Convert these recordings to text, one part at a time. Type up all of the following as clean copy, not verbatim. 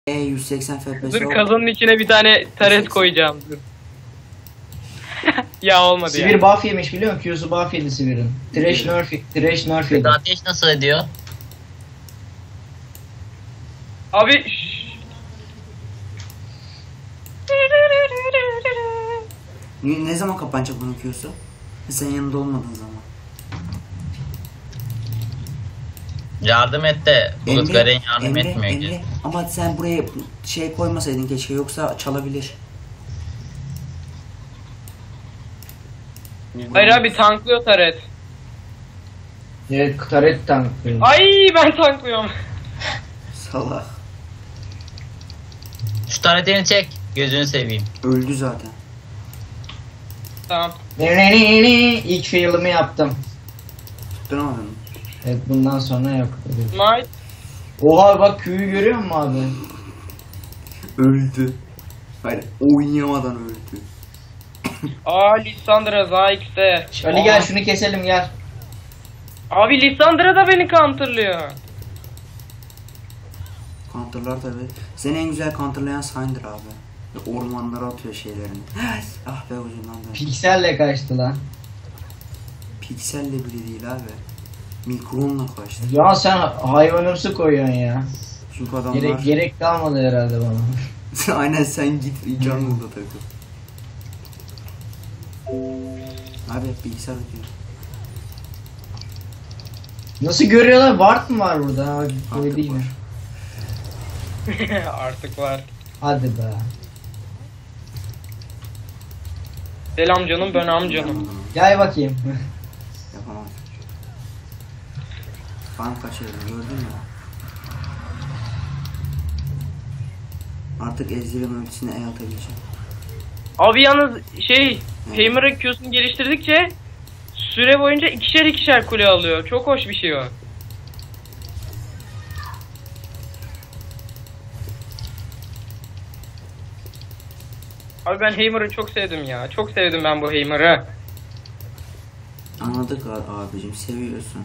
180 FPS. Dur kazanın içine bir tane taret koyacağım. Dur. Ya olmadı ya. Sivir buff yemiş biliyor musun? Q'su buff yedi Sivir'in. Trash nerf yedi. Ateş nasıl ediyor? Abi Ne zaman kapanacak bunun Q'su? Sen yanında olmadığın zaman. Yardım et de Bulut Garen yardım etmiyor ki. Emre. Ama sen buraya şey koymasaydın keşke, yoksa çalabilir. hayır abi tanklıyor taret. Evet, taret tank. Ay ben tanklıyorum. Salak. Şu taretini çek. Gözünü seveyim. Öldü zaten. Tamam. İlk fail'ımı yaptım. Tutturamadın mı? Evet, bundan sonra yok. Might. Oha bak Q'yu görüyor musun abi? Öldü. Hayır, oynayamadan öldü. Aa Lissandra Zayx'te. Ali gel şunu keselim gel. Abi Lissandra da beni counterlıyor. Counterlar tabi. Seni en güzel counterlayan Syndra abi. Ormanlara atıyor şeylerini. Ah be ucundan da. Pikselle kaçtı lan. Pikselle bile değil abi. Mikronla kaçtı. Ya sen hayvanımsı koyuyorsun ya. Çünkü adamlar... Gerek kalmadı herhalde bana. Aynen, sen git jungle'da takıl. Abi hep bilgisayar ötüyor. Nasıl görüyorlar? Ward mı var burada? Abi, Artık değil mi? Artık var. Hadi be. Selam canım ben amcanım. Gel bakayım. Yapamam. Farm kaçırdı, gördün mü? Artık Ezreal'ın ölçüsüne E atabileceğim. Abi yalnız Heimer'ın Q'sunu geliştirdikçe süre boyunca ikişer kule alıyor. Çok hoş bir şey o. Abi ben Heimer'ı çok sevdim ya. Çok sevdim ben bu Heimer'ı. Anladık abicim, seviyorsun.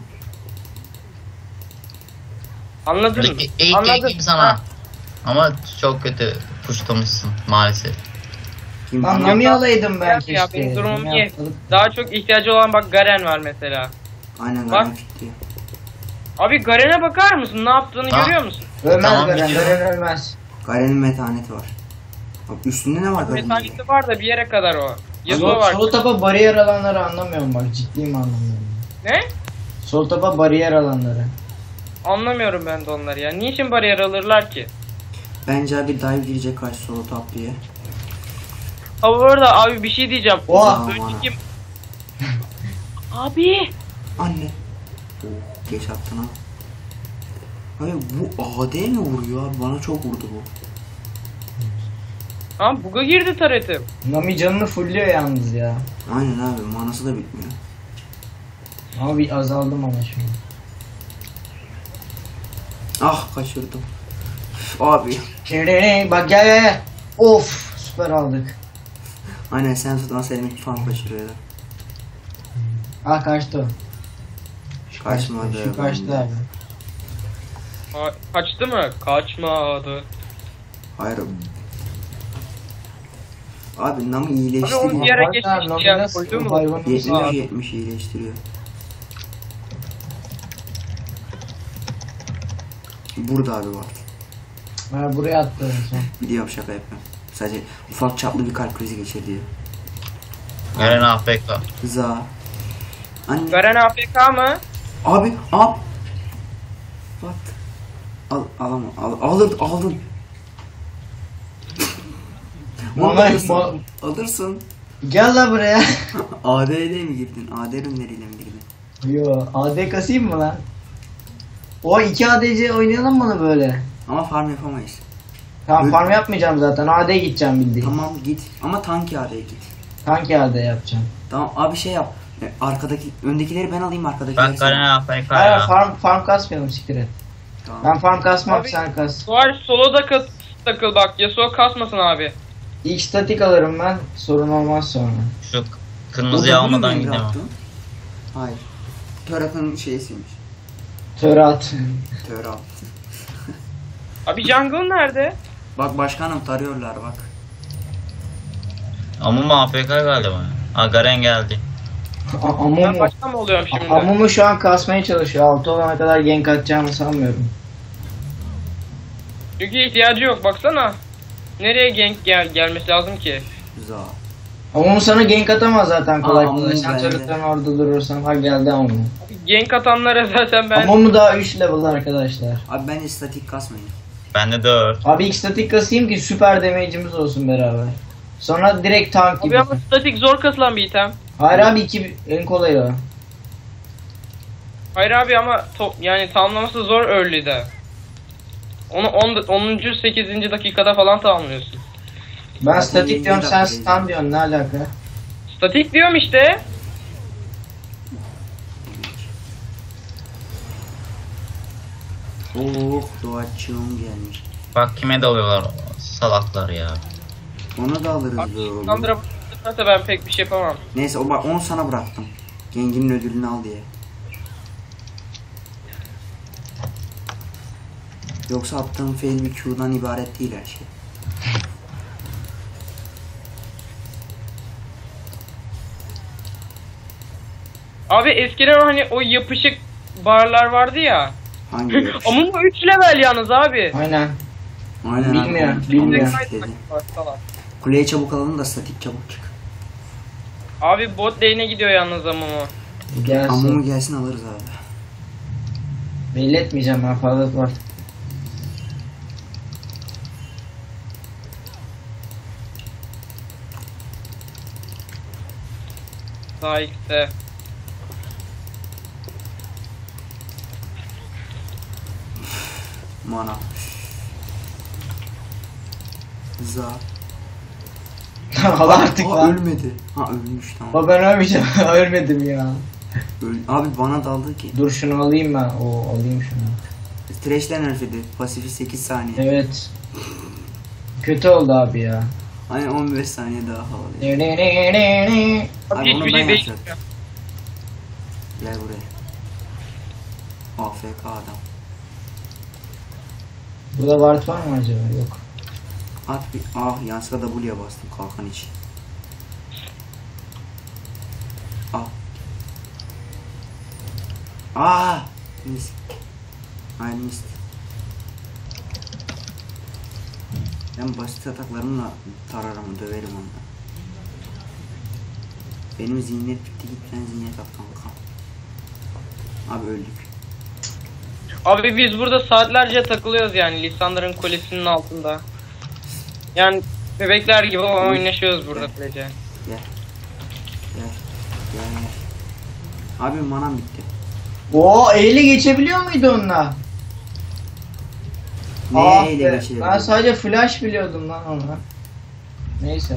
Anladın mı? İyi Anladın. sana. Ama çok kötü puşlamışsın maalesef. Kim Lan bana- Nami alaydım ben Ya keşke. benim durumum Nami iyi. atladık. Daha çok ihtiyacı olan bak Garen var mesela. Aynen, Bak. Garen fitti. Abi Garen'e bakar mısın? Ne yaptığını Ha. görüyor musun? Ölmez Tamam, Garen, biliyorum. Garen ölmez. Garen'in metaneti var. Bak üstünde ne var Garen'in? Metalisi var da bir yere kadar o. Yasuo var. Sol tapa bariyer alanları anlamıyorum bak, ciddiyim anlamıyorum. Ne? Sol tapa bariyer alanları. Anlamıyorum ben de onları ya. Niçin bariyer alırlar ki? Bence abi dive girecek karşı solo top diye. Ha bu arada abi bir şey diyeceğim. Oha. Önceki... Abi. Anne. Oh, geç attın ha. Abi bu AD mi vuruyor abi? Bana çok vurdu bu. Ha buga girdi taretim. Nami canını fullüyor yalnız ya. Aynen abi, manası da bitmiyor. Ama bir azaldım ama şimdi. Ah, kaçırdım. Üf, abi. Bak gel. Of, süper aldık. Aynen, sen tutmasaydım falan kaçırıyordu. Ah kaçtı o. Kaçmadı. Şu kaçtı abi. Kaçtı mı? Kaçmadı. Hayır. Abi Nami Abi iyileşti onu mi? bir ara Bak, geçmiş Nami ya. nasıl Koydu mu? hayvanımsı 70 abi. 70 iyileştiriyor. Burada abi var. Ha, buraya attı en son. Biliyorum, şaka yapıyorum. Sadece ufak çaplı bir kalp krizi geçirdi. Garen AFK. Za. Anne. Garen AFK mı? Abi. What? Alamam. Aldın. Onu Vallahi alırsın. Alırsın. Gel la buraya. AD'ye mi girdin? AD ürünleriyle mi girdin? Yo, AD kasayım mı lan? O 2 ADC oynayalım mı böyle? Ama farm yapamayız. Tamam, Öyle- farm yapmayacağım zaten. AD gideceğim bildiğin. Tamam git. Ama tanki AD'ye git. Tank AD yapacağım. Tamam abi, şey yap. Öndekileri ben alayım, arkadakileri Ben sen. Garen AFK Hayır, ya. farm kasmayalım, siktir et. Tamam. Ben farm kasmam, Abi- sen kas. Var soloda takıl bak. Yasuo kasmasın abi. İlk statik alırım ben, sorun olmaz sonra. Şu kırmızıyı Burada bunu almadan mu gidemem. yaptın? Hayır. Törat'ın şeysiymiş. Törat. Törat. Abi jungle nerede? Bak başkanım tarıyorlar bak. Amumu AFK galiba. Ha Garen geldi. Ben Amumu. başta mı oluyorum şimdi? Amumu şu an kasmaya çalışıyor. 6 olana kadar gank atacağımı sanmıyorum. Çünkü ihtiyacı yok baksana. Nereye gank gelmesi lazım ki? Güzel. Amumu sana gank atamaz zaten kolay Aa, kolay. Amumu Sen bende. turret'ten orada durursan. Ha geldi Amumu. Gank atanlara zaten ben... Amumu daha 3 level arkadaşlar. Abi bence statik kasmayın. Bende 4. Abi ilk statik kasayım ki süper damage'imiz olsun beraber. Sonra direkt tank gibi. Abi ama statik zor kasılan bir item. Hayır abi 2 en kolayı o. Hayır abi ama yani tamamlaması zor early'de. Onu 10. 8. dakikada falan tamamlıyorsun. Ben Zaten statik 20 diyorum sen dakika stun diyorsun ne alaka? Statik diyorum işte. Oh doğaçığım gelmiş. Bak kime dalıyorlar salaklar ya. Onu da alırız Abi böyle oğlum. Sandra tutarsa ben pek bir şey yapamam. Neyse o bak onu sana bıraktım. Genginin ödülünü al diye. Yoksa attığım fail bir Q'dan ibaret değil her şey. Abi eskiden hani o yapışık barlar vardı ya. Hangi yapış? Ama bu 3 level yalnız abi. Aynen. Aynen abi, Bilmiyor, onu- bilmiyor. onu dedi. Kuleye çabuk alalım da statik çabuk çık. Abi bot lane'e gidiyor yalnız ama o. Gelsin. Amumu gelsin alırız abi. Belli etmeyeceğim ben fazla var. Daha X'de. Mana. Za. Al artık Aa, lan. ölmedi. Ha ölmüş tamam. O ben ölmeyeceğim. Ölmedim ya. Abi bana daldı ki. Dur şunu alayım ben. Oo alayım şunu. Thresh'ten nerfedi. Pasifi 8 saniye. Evet. Kötü oldu abi ya. Aynen 15 saniye daha havalı. Abi Abi onu hiçbir ben şey değil. yapacaktım. Gel buraya. AFK adam. Burada ward var mı acaba? Yok. At bir. Ah yanlışlıkla W'ye bastım kalkan için. Ah. Ah. Mis. Ay mis. Ben basit ataklarımla tararım, döverim ondan. Benim zihniyet bitti, git sen zihniyet at kanka. Abi öldük. Abi biz burada saatlerce takılıyoruz yani Lissandra'nın kulesinin altında. Yani bebekler gibi oynaşıyoruz burada böylece. Gel. Gel. Gel. Abi manam bitti. Oo eyle geçebiliyor muydu onunla? Neye Ah ele be, geçirelim? ben sadece flash biliyordum lan ona. Neyse.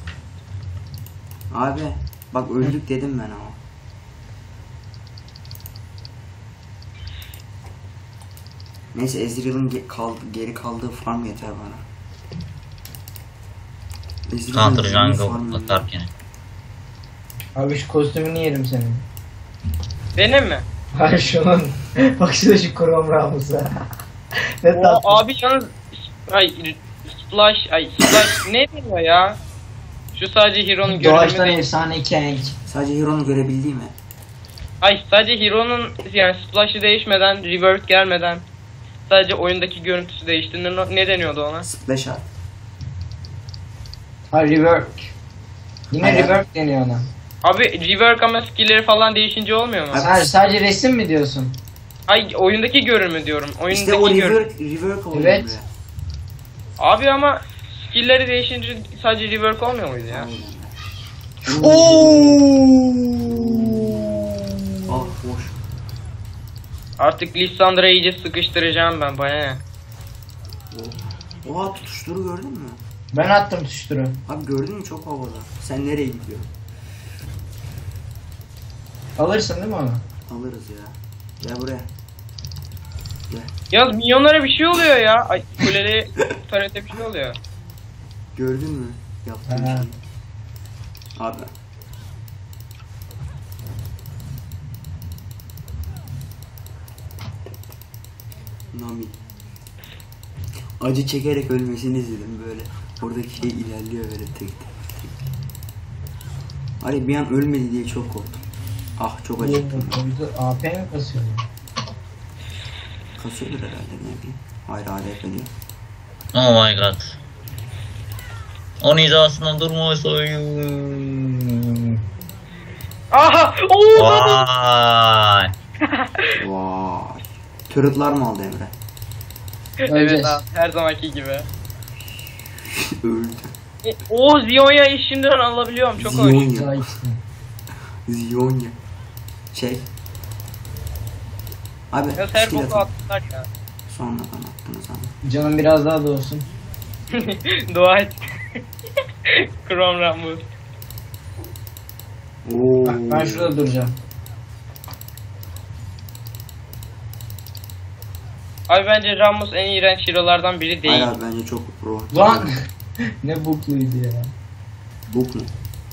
Abi bak öldük dedim ben ama. Neyse Ezreal'ın geri kaldığı farm yeter bana. Ezreal'ın Counter farm jungle yeter. atarken. Abi şu kostümünü yerim senin. Benim mi? Hayır şunun. Bak şurada şu Chrome Rammus'a. Ne O tatlı. abi yalnız Splash ne deniyor ya? Şu sadece Hero'nun görünümü Doğaçtan değil. efsane Kank. Sadece Hero'nu görebildiği mi? Ay sadece Hero'nun yani Splash'ı değişmeden, Revert gelmeden sadece oyundaki görüntüsü değişti. Ne deniyordu ona? Splash at. Ha rework. Yine Hayır. rework deniyor ona. Abi rework ama skill'leri falan değişince olmuyor mu? Abi- Sen sadece resim mi diyorsun? Ay oyundaki görünümü diyorum. Oyundaki İşte o görünümü. rework oluyor Evet. buraya. Abi ama skill'leri değişince sadece rework olmuyor muydu ya? Aynen. Ooo. Ah boş. Artık Lissandra'yı iyice sıkıştıracağım ben bana ne? Oha tutuşturu gördün mü? Ben attım tuşturu. Abi gördün mü çok havada. Sen nereye gidiyorsun? Alırsın değil mi onu? Alırız ya. Gel buraya. Gel. Yalnız minyonlara bir şey oluyor ya. Ay kuleli tarete bir şey oluyor. Gördün mü? Yaptığım Ha. şeyi. Abi. Nami. Acı çekerek ölmesini izledim böyle. Oradaki şey ilerliyor böyle tek tek. Hani bir an ölmedi diye çok korktum. Ah çok acıktım. AP mi kasıyor? Kasıyordur herhalde ne bileyim. Hayır ADF diyor. Oh my god. Onun hizasından durma soyun. Aha! Oo! Vay. Vay. Turretlar mı aldı Emre? Evet Öleceğiz. abi, her zamanki gibi. Öldü. O Zion'ya şimdiden alabiliyorum, çok hoş. Zionya. Daha ikisi. Zionya. Şey. Abi Ya her skill boku atın. attılar ya. Sonradan attınız ama. Canım biraz daha doğsun. Dua et. Chrome Rambus. Oo. Bak ben şurada duracağım. Abi bence Rambus en iğrenç hero'lardan biri değil. Hayır abi bence çok pro. Lan! Ne bukluydu ya. Bok mu?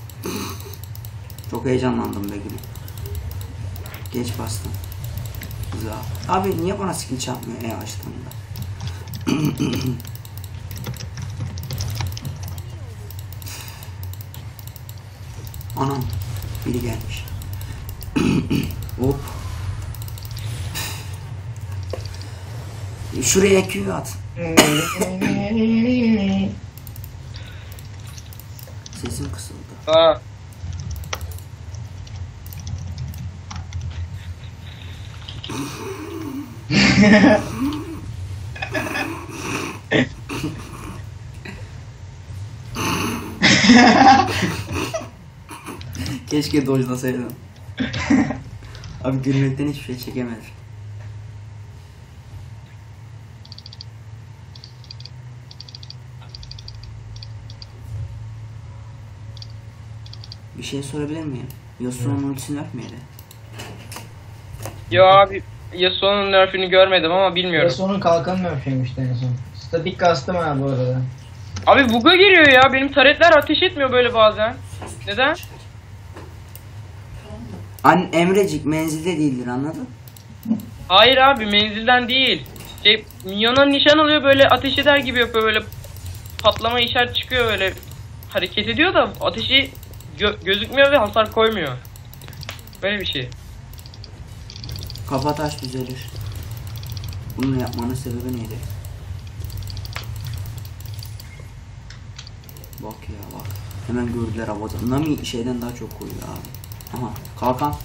Çok heyecanlandım be gülüm. Geç bastım. Güzel. Abi niye bana skill çarpmıyor açtığımda? Anam. Biri gelmiş. Hop. Şuraya Q at. Sesim kısıldı. Ha. Keşke dojlasaydım. Abi gülmekten hiçbir şey çekemedim. Bir şey sorabilir miyim? Yasuo'nun ultisini öpmeyeli. Yo abi, Yasuo'nun nerf'ünü görmedim ama bilmiyorum. Yasuo'nun kalkanı mı öpüyormuş en son? Statik kastım ha bu arada. Abi bug'a giriyor ya, benim taretler ateş etmiyor böyle bazen. Neden? Emrecik menzilde değildir anladın? Hayır abi, menzilden değil. Şey, minyona nişan alıyor, böyle ateş eder gibi yapıyor, böyle patlama işaret çıkıyor, böyle hareket ediyor da ateşi gözükmüyor ve hasar koymuyor. Böyle bir şey. Kafa taş düzelir. Bunu yapmanın sebebi neydi? Bak ya bak. Hemen gördüler havada. Nami şeyden daha çok koyuyor abi. Aha kalkan.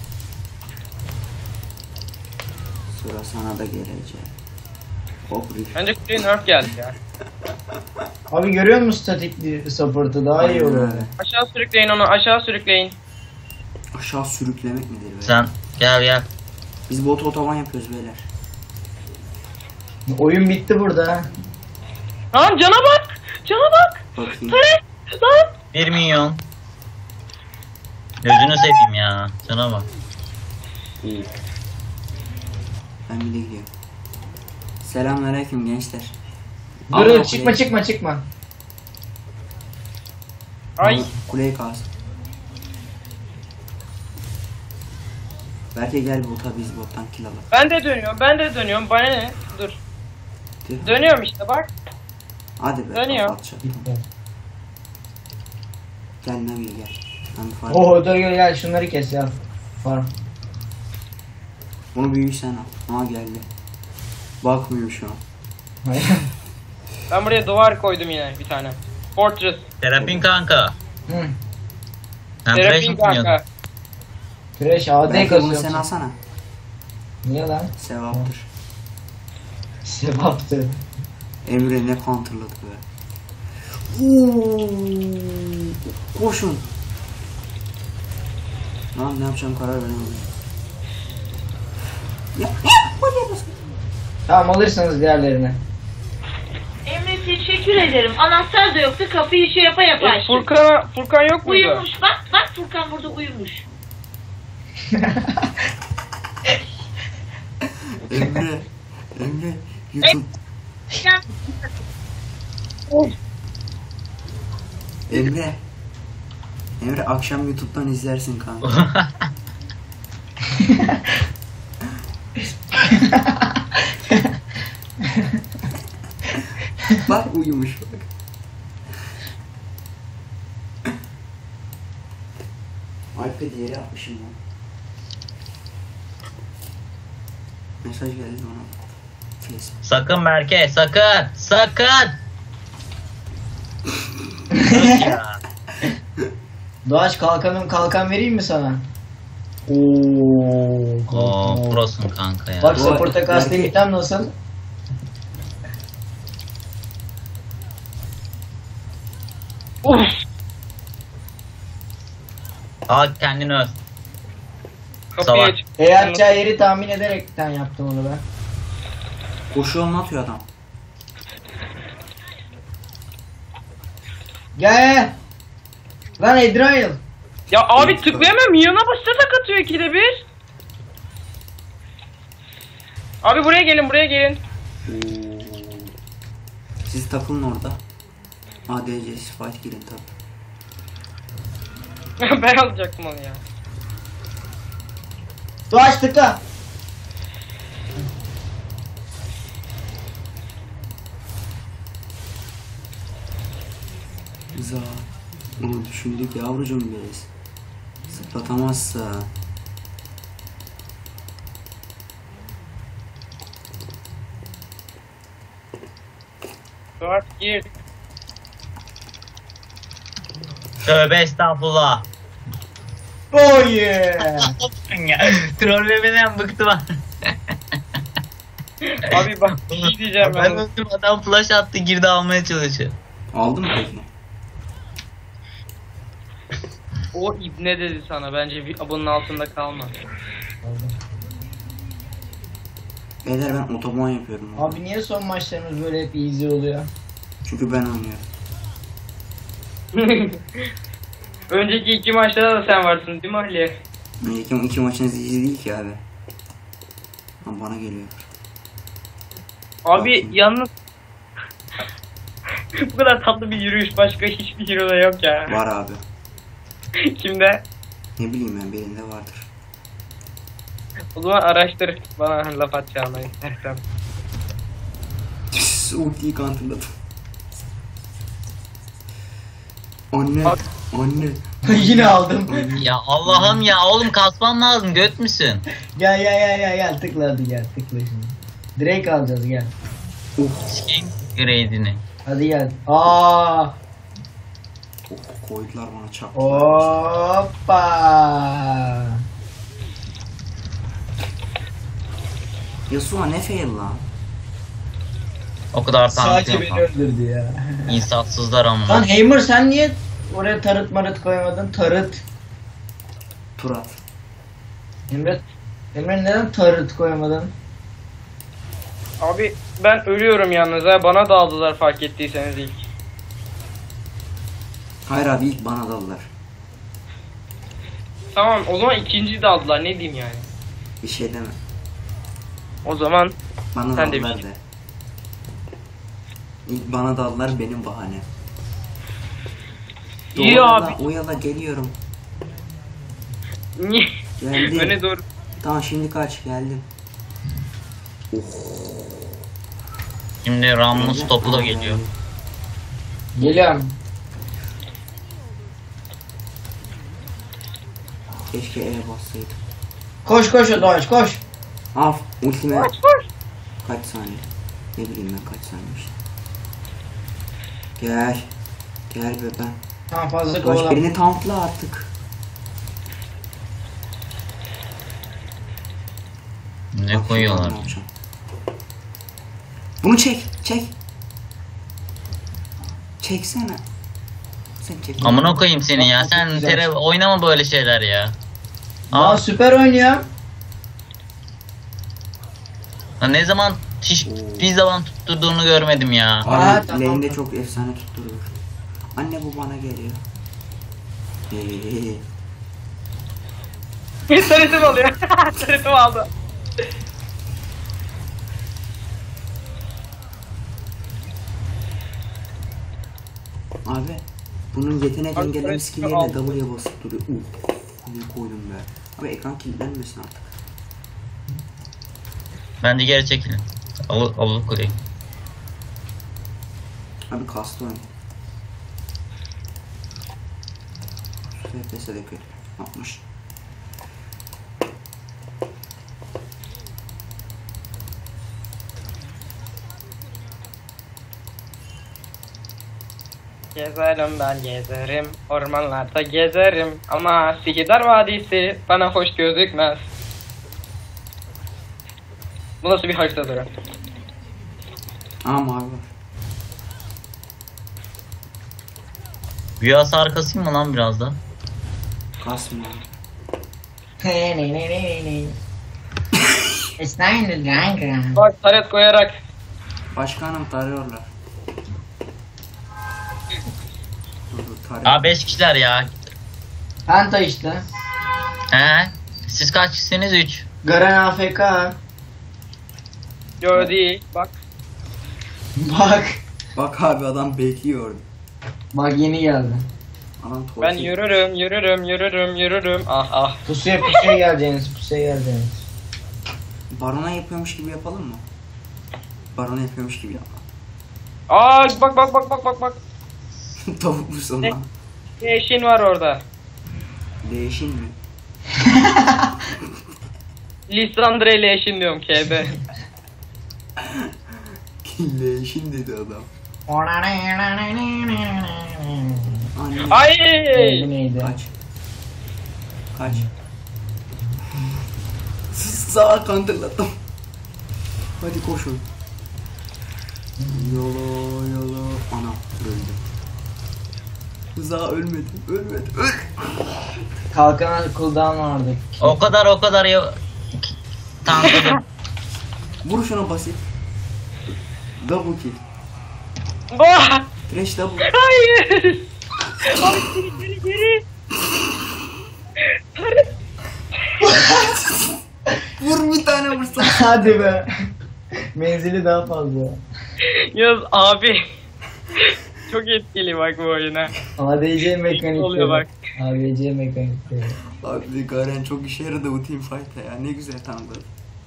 Sıra sana da gelecek. Hop riff. Bence kuleye nerf geldi ya. Abi görüyor musun statik support'ı daha iyi olur. Aynen öyle. Aşağı sürükleyin onu, aşağı sürükleyin. Aşağı sürüklemek nedir be? Sen gel. Biz bot otoban yapıyoruz beyler. Oyun bitti burada ha. Lan cana bak! Cana bak! Bakayım. Taret! Lan! 1 milyon. Gözünü seveyim ya. Sana bak. İyi. Ben bir de gidiyorum. Selamünaleyküm gençler. Dur Allah dur kuleyi- çıkma. Ay! Kuleyi kaz. Belki gel bota biz bottan kill alalım. Ben de dönüyorum, bana ne? Dur. Tüh. Dönüyorum işte bak. Hadi be. Dönüyor. kafa atacağım. Bitti. Gel Nami gel. Nami fark. Oo dur gel şunları kes ya. Farm. Bunu büyük sen al. Ha geldi. Bakmıyor şu an. Ben buraya duvar koydum yine bir tane. Fortress. Terapin kanka. Hı. Sen trash Terapin mı dinliyordun? kanka. Trash AD Belki bunu sen kasıyorsun. alsana. Niye lan? Sevaptır. Sevaptı. Emre ne counterladı be. Oo, koşun. Lan ne yapacağım karar veremedim. Ya oraya basın. Tamam alırsanız diğerlerini. Emre teşekkür ederim. Anahtar da yoktu. Kapıyı şey yapa yapa açtım. Furkan yok muydu? Uyumuş. Bak Furkan burada uyumuş. Emre YouTube. Sen Emre akşam YouTube'dan izlersin kanka. Bak uyumuş bak. iPad yere atmışım lan. Mesaj geldi ona. Facebook. Sakın Berke, sakın. Sakın. Sus ya. Doğaç kalkan vereyim mi sana? Oo. Oo, prosun kanka ya. Bak Bu- support'a kastım belki- item nasıl? Uf. Al kendini öv. Kapıyı Salak. aç. Atacağı yeri tahmin ederekten yaptım onu ben. Koşu yolunu atıyor adam. Gel. Lan Ezreal. Ya abi tıklayamıyorum. Minyona başta tak atıyor ikide bir. Abi buraya gelin, buraya gelin. Siz takılın orada. ADC fight girin tabi. Ben alacaktım onu ya. Doğaç tıkla. Güzel. Onu düşündük yavrucuğum biz. Zıplatamazsa. Dört gir. Tövbe estağfurullah. Oh yeah. Trollemeden bıktım ha. Abi bak bir şey diyeceğim Ben ben. bıktım, adam flash attı, girdi almaya çalışıyor. Aldın mı peki? O ibne dedi sana. Bence bir abonun altında kalma. Beyler ben otoban yapıyorum. Abi niye son maçlarımız böyle hep easy oluyor? Çünkü ben oynuyorum. Önceki iki maçta da sen varsın değil mi Ali? İki maçınız iyi değil ki abi. Ama bana geliyor. Abi yalnız bu kadar tatlı bir yürüyüş başka hiçbir hero'da yok ya. Var abi. Kimde? Ne bileyim ben birinde vardır. O zaman araştır bana laf atacağını istersen. Ultiyi counterladım. Anne, Bak. anne. Yine aldım. Ya Allah'ım ya, oğlum kasman lazım, göt müsün? Gel tıkla hadi gel tıkla şimdi. Drake alacağız gel. Sikeyim grade'ini. Hadi gel. Aa! Koydular bana çap. Hoppa! Yasuo ne fail lan? O kadar Sadece tanıtıyor beni falan. öldürdü ya. İnsafsızlar ama. Lan Hammer sen niye oraya tarıt marıt koyamadın? Tarıt. Turat. Emre neden tarıt koyamadın? Abi ben ölüyorum yalnız ha, bana daldılar fark ettiyseniz ilk. Hayır abi ilk bana daldılar. Tamam o zaman ikinciyi daldılar, ne diyeyim yani. Bir şey deme. O zaman Bana Sen de daldılar bir- de. İlk bana daldılar benim bahane. iyi Oyala, abi. oyala geliyorum. Niye? Geldim. Öne doğru. Tamam şimdi kaç geldim. Şimdi Rammus topu da geliyor. Geliyorum. Keşke E bassaydım. Koş Doğaç koş. Af ultime Koş koş. kaç saniye? Ne bileyim ben kaç saniyemiş. Gel. Gel bebeğim. Tamam fazla Baş kovalam. birini tankla artık. Ne Bak, koyuyorlar? ne yapacağım. Bunu çek. Çeksene. Sen çek. Amına koyayım seni ya. Sen oynama böyle şeyler ya. Aa süper oynuyor. Lan ne zaman bir zaman tutturduğunu görmedim ya. Abi Aa, tamam. lane'de çok efsane tutturur. Anne bu bana geliyor. Sarıtım alıyor. Sarıtım aldı. Abi bunun yetenek Abi, engelleme evet, skill'lerine aldım. W'ye basıp duruyor. Ne koydum be. Abi ekran kilitlenmesin artık. Bence geri çekilin. Alıp koyayım. Abi kastı oyun. FPS'de kötü. 60. Gezerim ben gezerim, ormanlarda gezerim ama Sikidar Vadisi bana hoş gözükmez. Bu nasıl bir haritadır? Aa mavi var. Büyü hasar kasayım mı lan biraz da? Kasmıyor. Bak taret koyarak. Başkanım tarıyorlar. Tarıyor. Aa 5 kişiler ya. Penta işte. He? Siz kaç kişisiniz? 3. Garen AFK. Yo değil bak. Bak. Bak abi adam bekliyor. Bak yeni geldi. Adam torpil. Ben yürürüm. Ah. Pusuya geleceğiniz. Barona yapıyormuş gibi yapalım mı? Barona yapıyormuş gibi yapalım. Aa bak. Tavuk musun Ne? lan? Eşin var orada. Değişin mi? Lisandre ile eşin diyorum KB. Değişin dedi adam. Anne. Ay! Neydi? Kaç. Sağa kandırladım. Hadi koşun. Yola. Ana öldü. Rıza ölmedi. Öl. Kalkan cooldown vardı. O kadar ya. Tankladım. Vur şuna basit. Double kill. Oh! Trash double. Hayır! Abi geri. Vur bir tane vursan. Hadi be. Menzili daha fazla. Yaz abi. Çok etkili bak bu oyuna. ADC mekanikleri. Oluyor bak. ADC mekanikleri. Abi Garen çok işe yaradı bu teamfight'ta ya. Ne güzel tanıdı.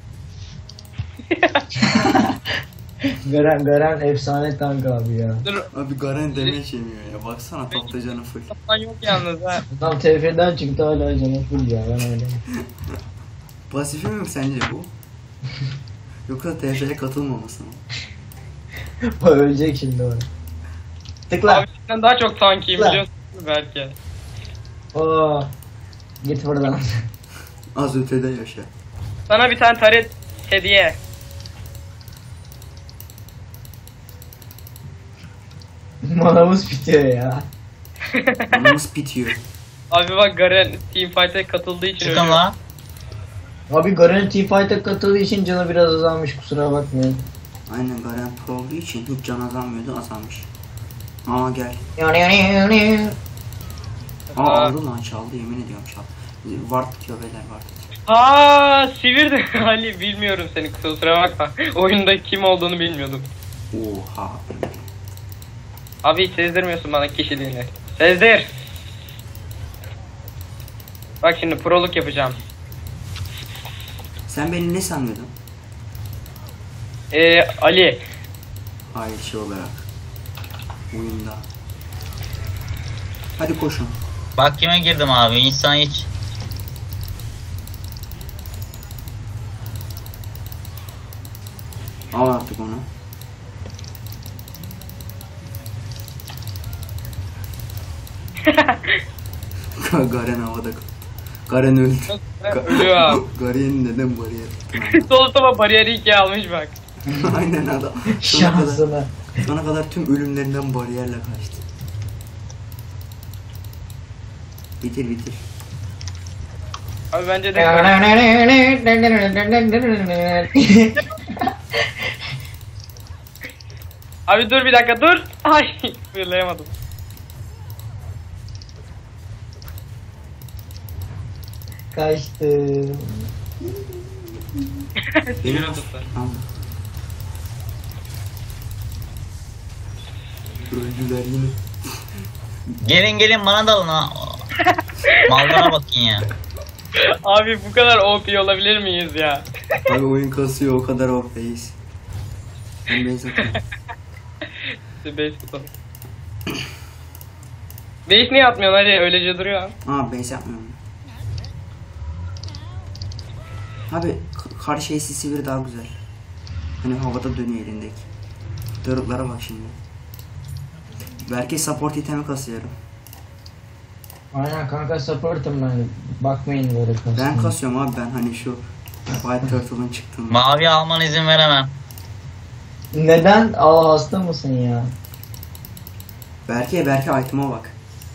Garen efsane tank abi ya. Dur. Abi Garen damage yemiyor ya. Baksana topta canı full. Lan yok yalnız ha. Adam TF'den çıktı hala canı full ya ben öyle. Pasifi mi sence bu? Yoksa TF'ye katılmaması mı? O ölecek şimdi o. Tıkla. Abi sen daha çok tankiyim Lan. biliyorsun belki. Oo. Git buradan. Az ötede yaşa. Sana bir tane taret hediye. Manamız bitiyor ya. Anamız bitiyor. Abi bak Garen Teamfight'e katıldığı için Çıkın ölüyor. lan. Abi Garen Teamfight'a katıldığı için canı biraz azalmış kusura bakmayın. Aynen Garen pro olduğu için hiç can azalmıyordu, azalmış. Aa gel. Aa aldı lan, çaldı, yemin ediyorum çaldı. Ward bitiyor beyler, ward bitiyor. Aa sivirdi Ali bilmiyorum seni kusura bakma. Oyunda kim olduğunu bilmiyordum. Oha. Abi hiç sezdirmiyorsun bana kişiliğini. Sezdir. Bak şimdi proluk yapacağım. Sen beni ne sanıyordun? Ali. Hayır, şey olarak. Oyunda. Hadi koşun. Bak kime girdim abi. İnsan hiç. Al artık onu. Garen havada kaldı. Garen öldü. Ölüyor abi. Garen'in neden bariyer tuttun? Solutama bariyeri 2 almış bak. Aynen adam. Sona Şansına. kadar tüm ölümlerinden bariyerle kaçtı. Bitir. Abi bence de Abi dur bir dakika dur. Ay fırlayamadım. Kaçtı. Benim Sinir tuttu. Tamam. Öldüler yine. Gelin bana dalın ha. Mallara bakın ya. Abi bu kadar OP olabilir miyiz ya? Abi oyun kasıyor, o kadar ortayız. Ben base atıyorum. İşte base tutalım. Base niye atmıyorsun hadi öylece duruyor abi. Base yapmıyorum. Abi kar şeysi sivri daha güzel. Hani havada dönüyor elindeki. Dörüklara bak şimdi. Belki support itemi kasıyorum. Aynen kanka support'um ben. Bakmayın böyle kasım. Ben kasıyorum abi, ben hani şu White Turtle'ın çıktığında. Mavi alman izin veremem. Neden? Aa hasta mısın ya? Belki item'a bak.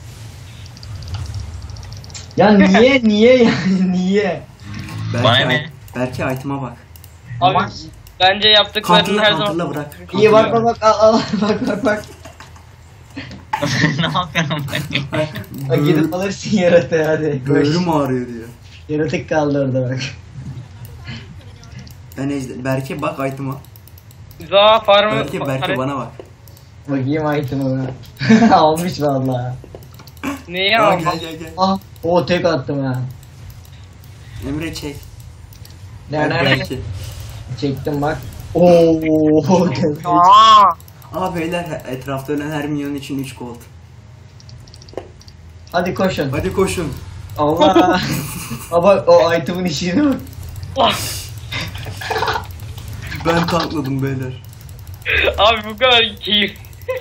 Ya niye yani niye? Bana ne? Belki item'a bak. Abi bence yaptıklarının her Counter'la zaman... bırak. İyi bak al bak. Ne yapıyorum ben? Bak gidip alırsın yaratığı hadi. Koş. Böğrüm ağrıyor diyor. Yaratık kaldı orada bak. Belki bak item'a. Za farmı... Belki bana bak. Bakayım item'ı. Almış valla. Neyi Aa, aldın? gel. Ah o tek attım ha. Emre çek. Nerede? Belki. Çektim bak. Oo. Beyler, etrafta ölen her milyon için 3 gold. Hadi koşun. Hadi koşun. Allah. Bak o item'ın işine bak. Ben tankladım beyler. Abi bu kadar keyif.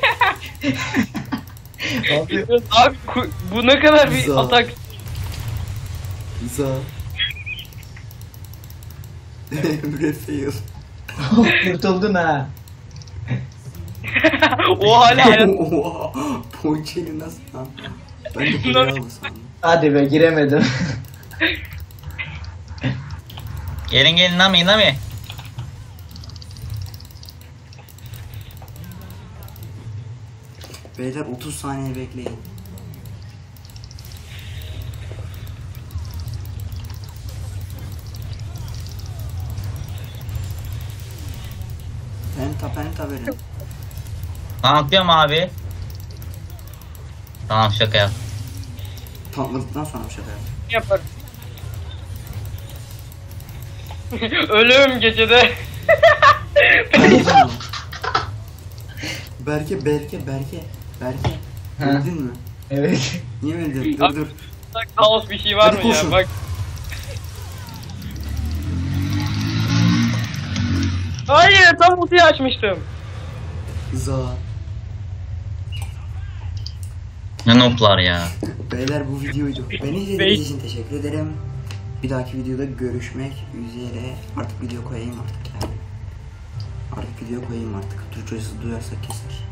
Abi Abi bu ne kadar bir Za. atak. Za. Emre fail. kurtuldun ha. O hala hayat. Oha. Ponçeli nasıl lan? Ben de buraya aldım sandım. Hadi be giremedim. Gelin Nami. Beyler 30 saniye bekleyin. Penta verin. Tanklıyorum abi. Tamam şaka yap. Tankladıktan sonra bir şey Yaparım. Ölüm gecede. yapar. Berke. Ha. Öldün mü? Evet. Niye öldün? Abi. Dur. Kaos bir şey var Hadi mı koşun. ya bak. Hayır tam ultiyi açmıştım. Za. Ne noplar ya. Beyler bu videoydu. Beni izlediğiniz için teşekkür ederim. Bir dahaki videoda görüşmek üzere. Artık video koyayım artık yani. Türkçesi duyarsak keser.